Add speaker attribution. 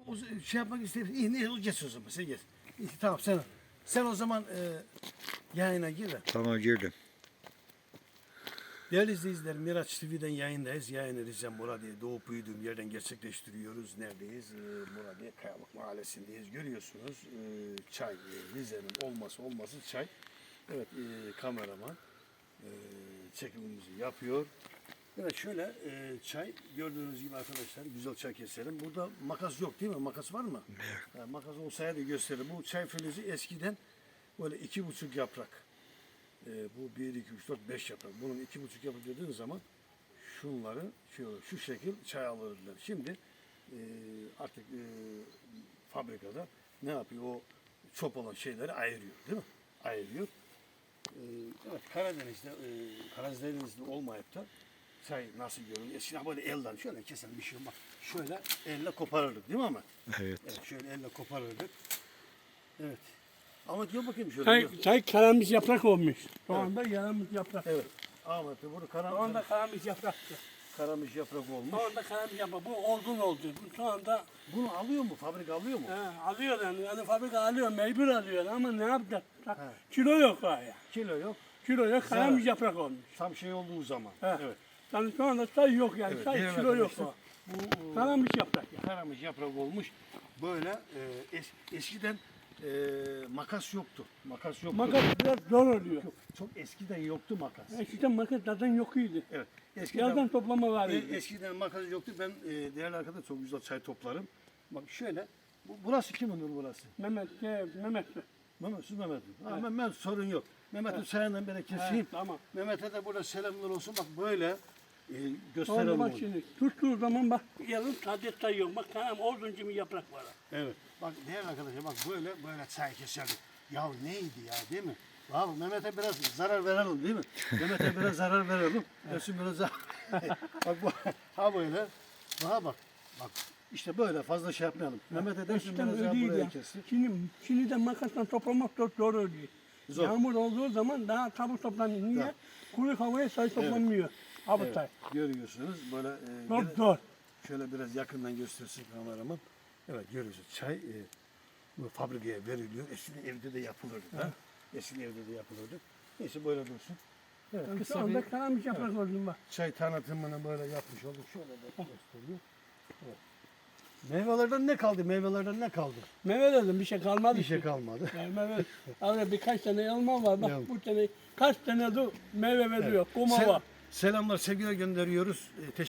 Speaker 1: o şey yapmak istedim. İyi ne geç o zaman sen geç. İyi, tamam sen o zaman yayına gir de.
Speaker 2: Tamam girdim.
Speaker 1: Değerli izleyiciler, Miraç TV'den yayındayız. Yayını Rize Muradiye doğup büyüdüğüm yerden gerçekleştiriyoruz. Neredeyiz? Muradiye Kayalık Mahallesi'ndeyiz. Görüyorsunuz çay, Rize'nin olması çay. Evet, kameraman çekimimizi yapıyor. Evet şöyle çay gördüğünüz gibi arkadaşlar güzel çay keselim. Burada makas yok değil mi? Makas var mı? Evet. Makas olsaydı gösterelim. Bu çay filizi eskiden böyle 2,5 yaprak. Bu 1, 2, 3, 4, 5 yaprak. Bunun 2,5 yaprak dediğin zaman şunları şu şekil çay alırlar. Şimdi artık fabrikada ne yapıyor? O çöp olan şeyleri ayırıyor değil mi? Ayırıyor. Evet Karadeniz'de olmayıp da çay nasıl görünüyor? Eskiden böyle elden şöyle keselim bir şey bak. Şöyle elle koparırdık değil mi ama?
Speaker 2: Evet.
Speaker 1: Evet şöyle elle koparırdık. Evet. Ama diyor bakayım şöyle.
Speaker 3: Çay karamış yaprak olmuş. Şu anda yaramış yaprak.
Speaker 1: Evet. Ahmet de bunu
Speaker 3: Şu anda karamış yapraktı.
Speaker 1: karamış yaprak olmuş.
Speaker 3: Şu anda karamış yaprak. Bu olgun oldu. Bu şu anda
Speaker 1: Bunu alıyor mu? Fabrika alıyor mu?
Speaker 3: alıyor yani fabrika alıyor, mecbur alıyor ama ne yapacak? Kilo yok ya.
Speaker 1: Kilo yok.
Speaker 3: Kilo yok,
Speaker 1: Zarar.
Speaker 3: karamış yaprak olmuş.
Speaker 1: Tam şey olduğu zaman.
Speaker 3: He.
Speaker 1: Evet.
Speaker 3: Yani şu anda çay yok yani.
Speaker 1: Evet,
Speaker 3: Çay
Speaker 1: diğer
Speaker 3: kilo yok.
Speaker 1: arkadaşlar, Bu
Speaker 3: Karamış yaprak ya.
Speaker 1: karamış yaprak olmuş. Böyle eskiden makas yoktu. Makas yoktu.
Speaker 3: Makas biraz zor oluyor.
Speaker 1: Yok, çok eskiden yoktu makas.
Speaker 3: Eskiden makas zaten yok idi.
Speaker 1: Evet. Eskiden
Speaker 3: Yerden toplama var idi.
Speaker 1: eskiden makas yoktu. Ben değerli arkadaşlar çok güzel çay toplarım. Bak şöyle. Burası kimin olur burası?
Speaker 3: Mehmet.
Speaker 1: Mehmet, siz Mehmet. Ha, Mehmet sorun yok. Mehmet'in sayenden beri keseyim.
Speaker 3: Evet, tamam.
Speaker 1: Mehmet'e de burada selamlar olsun. Bak böyle
Speaker 3: Sonra
Speaker 1: gösterelim
Speaker 3: bak
Speaker 1: onu.
Speaker 3: şimdi tuttuğu zaman bak yarım sade çay yok. Bak kanam oduncu bir yaprak var.
Speaker 1: Evet. Bak değerli arkadaşlar bak böyle çay keserdik. Ya neydi ya değil mi? Abi Mehmet'e biraz zarar verelim değil mi? Mehmet'e biraz zarar verelim. Resim biraz zarar. Bak bu ha böyle. Bak. Bak işte böyle fazla şey yapmayalım. Mehmet'e dersin
Speaker 3: Eskiden
Speaker 1: biraz daha
Speaker 3: öyleydi
Speaker 1: buraya
Speaker 3: ya.
Speaker 1: kessin.
Speaker 3: Şimdi de makasla toplamak çok zor oluyor.
Speaker 1: Zor.
Speaker 3: Yağmur olduğu zaman daha çabuk toplanıyor. Niye? Kuru havaya çay toplanmıyor. Abi
Speaker 1: Evet,
Speaker 3: çay.
Speaker 1: görüyorsunuz böyle
Speaker 3: Çok
Speaker 1: gene-
Speaker 3: zor.
Speaker 1: şöyle biraz yakından göstersin kameraman. Evet görüyorsunuz çay bu fabrikaya veriliyor. Eskiden evde de yapılırdı. Ha? Eskiden evde de yapılırdı. Neyse böyle dursun. Evet,
Speaker 3: Şu
Speaker 1: kısa
Speaker 3: anda
Speaker 1: bir
Speaker 3: karamış yaprak oldum bak.
Speaker 1: çay tanıtımını böyle yapmış olduk. Şöyle de gösteriyor. Evet. Meyvelerden ne kaldı? Meyvelerden ne kaldı?
Speaker 3: Meyve dedim bir şey kalmadı.
Speaker 1: Bir şey kalmadı.
Speaker 3: Yani meyve. Abi birkaç tane elma var. Bak
Speaker 1: Elma.
Speaker 3: bu sene kaç tane de meyve veriyor. Kuma var.
Speaker 1: Selamlar, sevgiler gönderiyoruz. Teşekkür